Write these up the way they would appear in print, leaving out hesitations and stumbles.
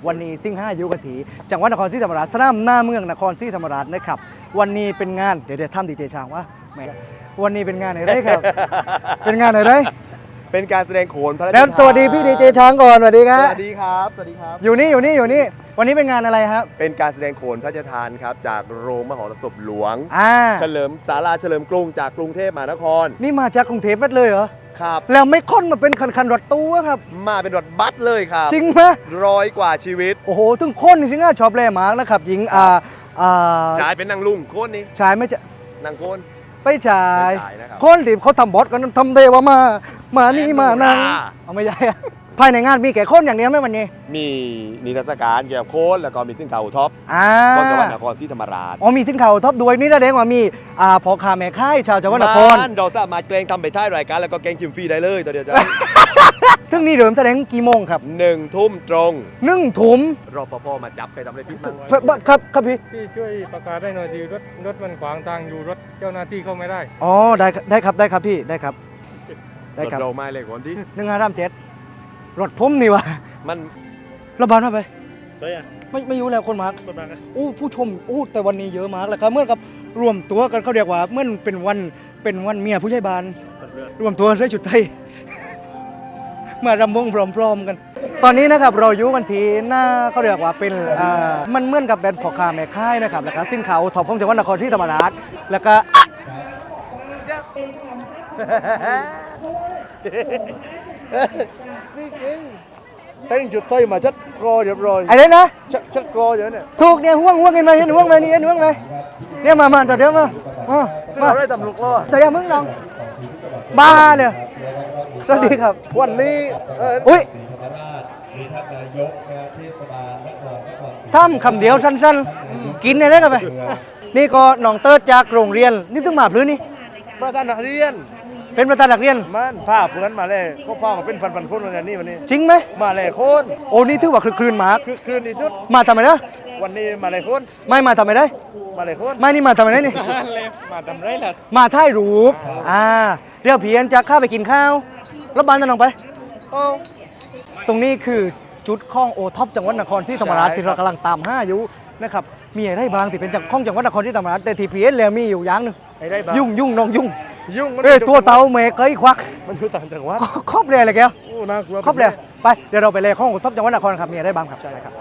วันนี้ซิ่ง5ยุกถีจังหวัดนครศรีธรรมราชสนามหน้าเมืองนครศรีธรรมราชนะครับวันนี้เป็นงานเดี๋ยวทำดีเจช้างว่าแหมวันนี้เป็นงานไหนได้ครับ เป็นงานไหนได้เป็นการแสดงโขนพระราชทานแล้วสวัสดีพี่ดีเจช้างก่อนสวัสดีครับสวัสดีครับสวัสดีครับอยู่นี่วันนี้เป็นงานอะไรครับเป็นการแสดงโขนพระราชทานครับจากโรงมหรสพหลวง เฉลิมศาลาเฉลิมกรุงจากกรุงเทพมหานครนี่มาจากกรุงเทพเลยเหรอครับแล้วไม่ค่อนมาเป็นคันรถตู้ครับมาเป็นรถบัสเลยครับจริงไหม 100 กว่าชีวิตโอ้โหถึงคนที่ง่าชอบแลมากนะครับหญิงชายเป็นนางลุงโคนนี้ชายไม่จะนางโคนไปชายนะครับคนที่เขาทำบอสกันทำเดวมานี่มานั่งเอาไม่ใช่ภายในงานมีแก่คนอย่างเดียวไหมวันนี้มีนิทรรศการเกี่ยวกับโคนแล้วก็มีสินค้าโอท็อปของจังหวัดนครศรีธรรมราชอ๋อมีสินค้าโอท็อปด้วยนี่แสดงว่ามีพ่อค้าแม่ค้าชาวจังหวัดนครเราสามารถเกรงทำไปท้ายรายการแล้วก็เกรงชิมฟรีได้เลยตัวเดียวจ้ะทึ่งนี้เริ่มแสดงกี่โมงครับ 1 ทุ่มตรง 1 ทุ่มรปภมาจับไปทำอะไรผิดบ้างครับพี่ช่วยประกาศได้หน่อยดีรถมันขวางทางอยู่รถเจ้าหน้าที่เข้าไม่ได้อ๋อได้ครับพี่ได้ครับเราไม่เลยคนที่ 1537รถพุ่มนี่วะมันระบาดมาไปใช่อะไม่อยู่แล้วคนมากผู้ชมแต่วันนี้เยอะมากเลยครับเมื่อกับรวมตัวกันเขาเรียกว่าเมื่อเป็นวันเมียผู้ใหญ่บ้านรวมตัวใส่ชุดไทย มารำวงพร้อมๆกันตอนนี้นะครับเราอยู่กันที่หน้าเขาเรียกว่าเป็นมันเหมือนกับแบรนด์พ่อค้าแม่ค้านะครับแล้วก็สินค้าท็อปของจังหวัดนครศรีธรรมราชแล้วก็นี่จริงแต่งจุดไทยมาชัดรอเรียบร้อยไอ้เนี่ยนะชัดรออยู่เนี่ยถูกเนี่ยห่วงเห็นไหมห่วงไหมนี่เห็นห่วงไหมเนี่ยมาเดี๋ยวมาได้ตำรวจรอแต่อย่ามึงลองบ้าเลยสวัสดีครับวันนี้อุ้ยทำคำเดียวสั้นๆกินได้ไหมนี่ก็น้องเติร์ดจากโรงเรียนนี่ต้องมาพลื้นนี่ประธานนักเรียนเป็นประธานนักเรียนมันผ้าเพื่อนมาเลยเขาผ้ามาเป็นพันคนวันนี้จริงไหมมาเลยคนโอ้นี่ถือว่าคลื่นมากคลื่นที่สุดมาทำไมนะวันนี้มาเลยคนไม่มาทำไมได้มาเลยคนไม่นี่มาทำไมได้นี่มาทำไรล่ะมาถ่ายรูปเดี๋ยวเพียนจะข้าไปกินข้าวแล้วบ้านจะลงไปตรงนี้คือจุดข้องโอท็อปจังหวัดนครศรีธรรมราชที่เรากำลังตาม5อยู่นะครับมีอะไรบางที่เป็นจากข้องจังหวัดนครศรีธรรมราชแต่ทีพีเอสแล้วมีอยู่อย่างนึงยุ่งน้องยุ่งตัวเต่าเมย์เคยควักมันอยู่ต่างจังหวัดครอบเลยอะไรแกโอ้น่ากลัวครอบเลยไปเดี๋ยวเราไปเลยข้องโอท็อปจังหวัดนครครับมีอะไรบ้างครับใช่ครับ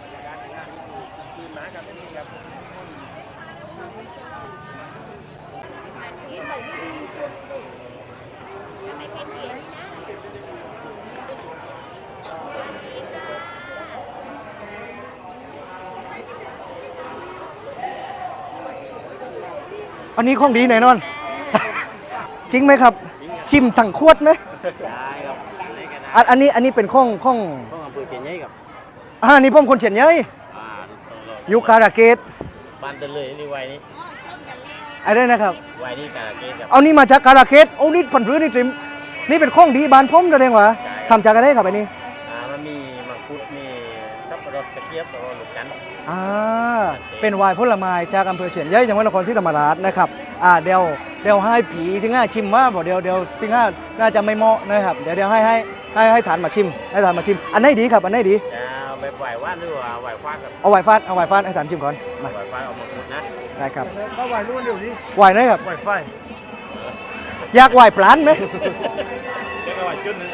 อันนี้ของดีแน่นอน จริงไหมครับชิมถังขวดไหมได้ครับอันนี้เป็นข้องอำเภอเชียงใหญ่ครับนี่พ่อมคนเชียงใหญ่อยู่การะเกดบ้านตะเลยนี่ไว้นี่อะไรนะครับไว้นี่การะเกดครับเอานี่มาจากการะเกดโอ้นี่ผันพื้นนี่จิมนี่เป็นข้องดีบ้านพ่อมแสดงว่าทำจากอะไรครับอันนี้มันมีมังคุดมีสับปะรดกระเจี๊ยบแล้วก็ลูกจันทร์เป็นไวน์ผลไม้จากอำเภอเชียงใหญ่จังหวัดนครศรีธรรมราชนะครับเดี๋ยวให้ผีที่ง่าชิมว่าบอกเดี๋ยวสิ่งง่าน่าจะไม่เหมาะนะครับเดี๋ยวให้ฐานมาชิมอันไหนดีครับอันไหนดีเอาไปไหว้ว่านหรือว่าไหว้ฟาดครับเอาไหว้ฟาดให้ฐานชิมก่อนมาไหว้ฟาดเอามังคุดนะได้ครับก็ไหว้นู่นเดี๋ยวนี้ไหว้ไหนครับไหว้ไฟอยากไหว้ปลานไหมอยากไหว้จุดนึง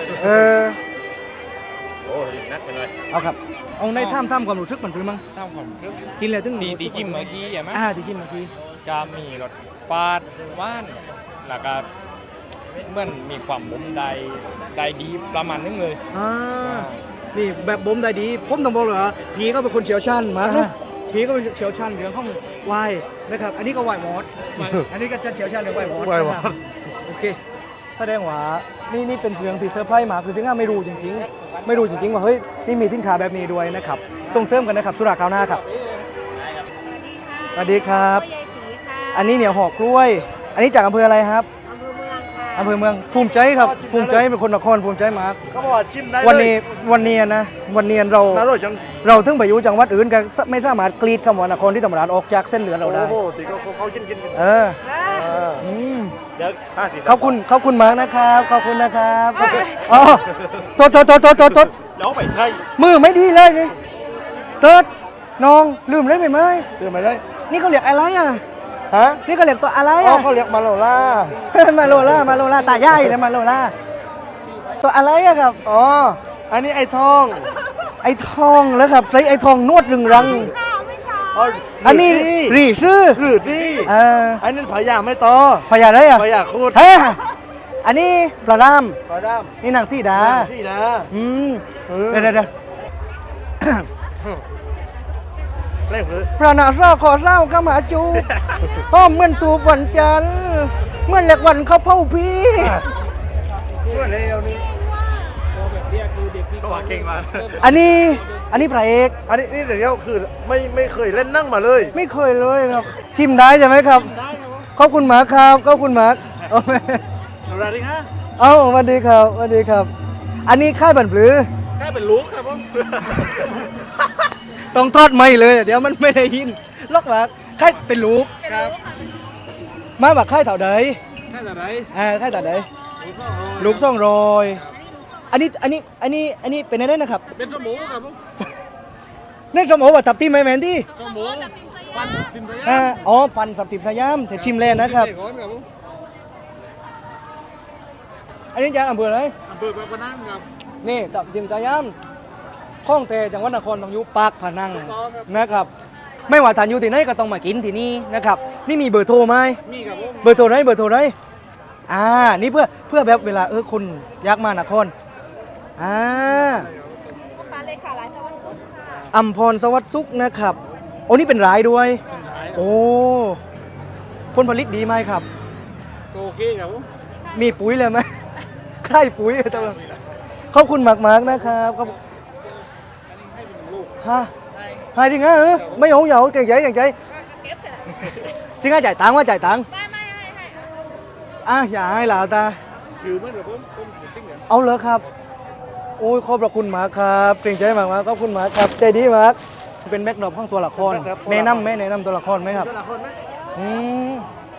โอ้ยนักไปเลยเอาครับเอาในถ้ำความรู้สึกมันเป็นมั้งถ้ำความรู้สึกกินเลยตึ้งตีจิ้มเมื่อกี้ใช่ไหมตีจิ้มเมื่อกี้จะมีรสฟาดว่านแล้วก็เหมือนมีความบ่มได้ดีประมาณนึงเลยนี่แบบบ่มได้ดีผมต้องบอกเลยว่าผีก็เป็นคนเชี่ยวชาญมากนะผีก็เป็นเชี่ยวชาญเรื่องของไวน์นะครับอันนี้ก็ไวน์วอดอันนี้ก็จะเชี่ยวชาญเรื่องไวน์วอดโอเคแสดงว่านี่เป็นเสียงที่เซอร์ไพรส์มาคือสิ่งที่ไม่รู้จริงๆว่าเฮ้ยนี่มีสินค้าแบบนี้ด้วยนะครับส่งเสริมกันนะครับสุราก้าวหน้าครับสวัสดีครับอันนี้เหนียวห่อกล้วยอันนี้จากอำเภออะไรครับอำเภอเมืองภูมิใจครับภูมิใจเป็นคนนครภูมิใจมากเขาบอกว่าจิ้มได้วันนี้เราถึงไปอยู่จังหวัดอื่นกันไม่สามารถกรีดคำว่านครที่ธรรมราชออกจากเส้นเหลืองเราได้โอ้โหตีเขากินเดี๋ยวขอบคุณมากนะครับขอบคุณนะครับอ๋อโทษแล้วไปไทยมือไม่ดีเลยเติร์ดน้องลืมเลยไปไหมเรื่องอะไรนี่เขาเรียกอะไรอ่ะฮะนี่เขาเรียกตัวอะไรอ๋ออ่ะเขาเรียกมาโลล่ามาโลล่าตาใหญ่เลยมาโลล่าตัวอะไรอะครับอ๋ออันนี้ไอ้ทองไอ้ทองแล้วครับใส่ไอ้ทองนวดรึงรัง อันนี้รีชื่อหรือที่ อันนั้นผายาไม่ต่อพญาอะไรอ่ะผายาคูดเฮ้ยอันนี้ปลาดามปลาดามนี่นางสีดาสีดาอืมเออเดี๋ยวเล่นคือพระนาเศร้าขอเศร้าก็มาจูอ้อมเหมือนตูบวันจันทร์เหมือนเหล็กวันเขาเผาพี่เมื่อเร็วนี้ก็ว่าเก่งมากอันนี้พระเอกอันนี้นี่เดี๋ยวคือไม่เคยเล่นนั่งมาเลยไม่เคยเลยครับ ชิมได้ใช่ไหมครับขอบคุณหมาครับขอบคุณหมาเอาไหมสวัสดีครับเอาสวัสดีครับสวัสดีครับ อันนี้ค่ายบันปลือแค่เป็นลูกครับผมต้องทอดไม่เลย เดี๋ยวมันไม่ได้ยินล็อกหลักค่ายเป็นลูกครับมาว่าค่ายเถ่าใดแค่ไหนค่ายเถ่าใดลูก200อันนี้เป็นอะไรนะครับเป็นสมูครับผมเน่นสมโอว่าตับที่ไม่แมนที่สมูฟันติมพยาอ๋อพันสับติบสยามแต่ชิมแล้วนะครับก่อนครับผมอันนี้จากอำเภออะไรอำเภอปากพนังครับนี่ตับติบสยามข้องเตจังหวัดนครต้องอยู่ปากพนังถูกต้องครับนะครับ ไม่ว่าทานอยู่ที่ไหนก็ต้องมากินที่นี่นะครับ นี่มีเบอร์โทรไหมมีครับผมเบอร์โทรไหนนี่เพื่อแบบเวลาคุณอยากมานครมาเลยค่ะร้านสวัสดิ์สุขค่ะอัมพรสวัสดิ์สุขนะครับโอ้นี่เป็นรายด้วย โอ้ผลผลิตดีไหมครับโอเคครับผมมีปุ๋ยเลยไหม ใช่ปุ๋ยตัวขอบคุณมากๆนะครับขอบฮะให้จริงเหรอไม่เอาเหยาเก่งใจจริงเหรอจ่ายตังค์จ่ายตังค์ไม่ให้อย่าให้หลาตาชื่อมันครับผมจริงเหรอเอาเลยครับ โอ้ยขอบพระคุณมากครับเก่งใจมากๆขอบคุณมากครับใจดีมากเป็นแบ็คดรอปของตัวละครแนะนำไหมแนะนำตัวละครไหมครับคนไหมอืม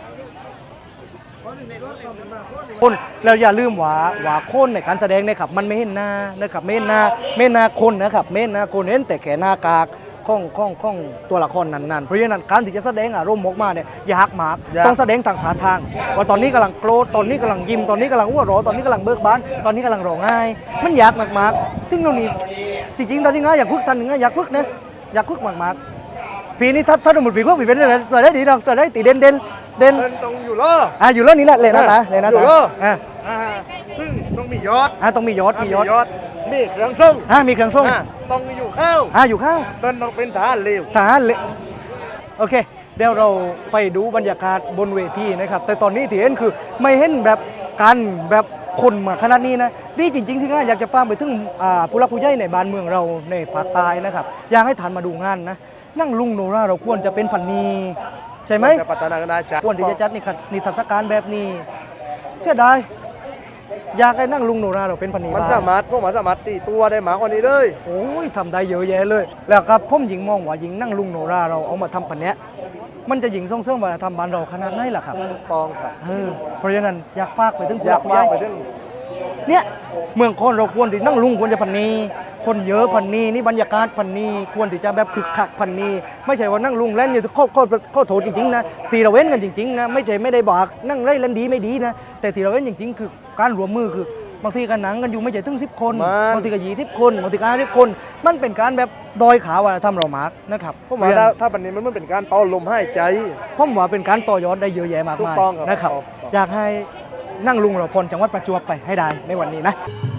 คนเราอย่าลืมว่าคนในการแสดงนะครับมันไม่เห็นหน้านะครับไม่เห็นหน้าคนนะครับไม่เห็นหน้าคนเห็นแต่แค่หน้ากากของตัวละครนั้นๆเพราะฉะนั้นการที่จะแสดงอารมณ์ออกมาเนี่ยยากมากต้องแสดงทางท่าทางว่าตอนนี้กำลังโกรธตอนนี้กำลังยิ้มตอนนี้กำลังหัวเราะตอนนี้กำลังเบิกบานตอนนี้กำลังร้องไห้มันยากมากๆซึ่งตรงนี้จริงๆตอนนี้อยากฝึกทันนึงอยากฝึกนะอยากฝึกมากๆปีนี้ถ้าสมมติปีพวกปีเป็นอะไรตัวได้ดีเราตัวได้ตีเด่นต้องอยู่ล่ออยู่แล้วนี่แหละเลยนะตาเลยนะอยู่ตาเหรออ่าซึ่งต้องมียอดต้องมียศมีเครื่องส่งมีเครื่องส่งต้องอยู่ข้าวอยู่ข้างต้องเป็นทหารเร็วทหารเลยโอเคเดี๋ยวเราไปดูบรรยากาศบนเวทีนะครับแต่ตอนนี้ที่เห็นคือไม่เห็นแบบกันแบบคนมาขนาดนี้นะนี่จริงๆที่ง่ายอยากจะฟังไปถึงผู้รักผู้ใหญ่ในบ้านเมืองเราในภาคใต้นะครับอยากให้ทานมาดูงานนะนั่งลุงโนราเราควรจะเป็นพันนีใช่ไหมจะพัฒนากันได้จ้ะควรที่จะจัดนิทรรศการแบบนี้เชื่อได้อยากให้นั่งลุงโนราเราเป็นพันนีมันบ้างสามารถตีตัวได้มากกว่านี้เลยโอ้ยทำได้เยอะแยะเลย แล้วครับผมหญิงมองว่าหญิงนั่งลุงโนราเราเอามาทำพันเนี้ยมันจะหญิงส่งเสริมวัฒนธรรมบ้านเราขนาดไหนล่ะครับปองครับเพราะฉะนั้นอยากฝากไปถึงผู้อยากผู้ว่าใหญ่ไปถึงเนี่ยเมืองคนเราควรที่นั่งลุงควรจะพันนีคนเยอะพันนีนี่บรรยากาศพันนีควรที่จะแบบคึกคักพันนีไม่ใช่ว่านั่งลุงเล่นอยู่ข้อโทษจริงๆนะตีเราเว้นกันจริงๆนะไม่ใช่ไม่ได้บอกนั่งเล่นดีไม่ดีนะแต่ตีเราเว้นจริงๆคือการรวมมือคือบางทีกันหนังกันอยู่ไม่ใช่ถึง10 คนบางทีก็20 คนบางทีก็50 คนมันเป็นการแบบดอยขาว่าทำเรามากนะครับผมว่าถ้าปันนี้มันเป็นการเป่าลมหายใจผมว่าเป็นการต่อยอดได้เยอะแยะมากถูมาก ยต้องครับนะครับครับอยากให้นั่งลุงเราพลจังหวัดประจวบไปให้ได้ในวันนี้นะ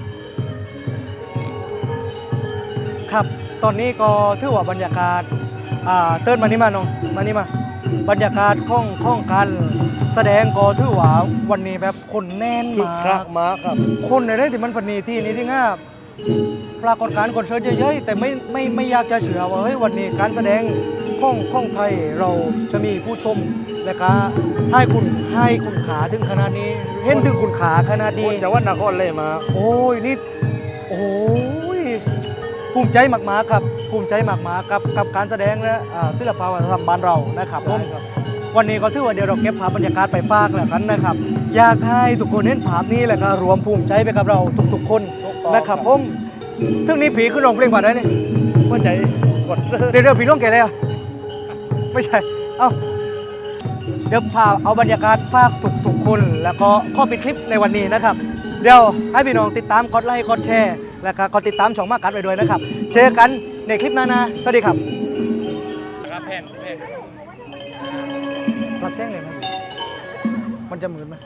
ครับตอนนี้ก็ถือว่าบรรยากาศเติ้นมานี่มาน้องมานี่มาบรรยากาศของการแสดงก็ถือว่าวันนี้แบบคนแน่นคึกมาคักกมากครับคนในที่มันพนีที่นี้ที่ง่าปรากฏการณ์คอนเสิร์ตเยอะๆแต่ไม่อยากจะเชื่อว่าเฮ้ยวันนี้การแสดงของไทยเราจะมีผู้ชมและก็ให้คุณขาถึงขนาดนี้ เห็นถึงคุณขาขนาดคนี้นจังหวัดนครเลยมาโอ้ยนี่โอ้ยภูมิใจมากๆครับภูมิใจมากๆกับการแสดงและศิลปวัฒนธรรมบ้านเรานะครับผมวันนี้ก็ถือว่าเดี๋ยวเราเก็บภาพบรรยากาศไปฝากแล้วกันนะครับ อยากให้ทุกคนเห็นภาพนี้แหละก็รวมภูมิใจไปกับเราทุกๆคนนะครับผมถึงนี้ผีขึ้นร้องเพลงว่าได้เนี่ยหัวใจเดี๋ยวพี่ล่วงแก่เลยอ่ะไม่ใช่ เอ้าเดี๋ยวพาเอาบรรยากาศฝากทุกคนแล้วก็ข้อปิดคลิปในวันนี้นะครับ เดี๋ยวให้พี่น้องติดตามกดไลค์กดแชร์แล้วก็กดติดตามช่องมากัดไว้ด้วยนะครับ เจอกันในคลิปหน้านะสวัสดีครับครับแผ่นรับแซงเลยไหมมันจะเหมือนไหม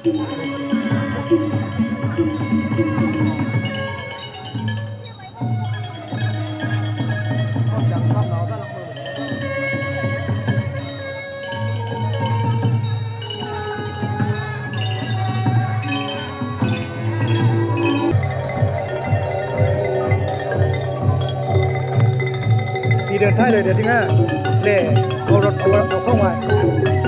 พี่เดินท้ายเลยเดี๋ยวที่ง่าเล่เอารถเอาเข้ามา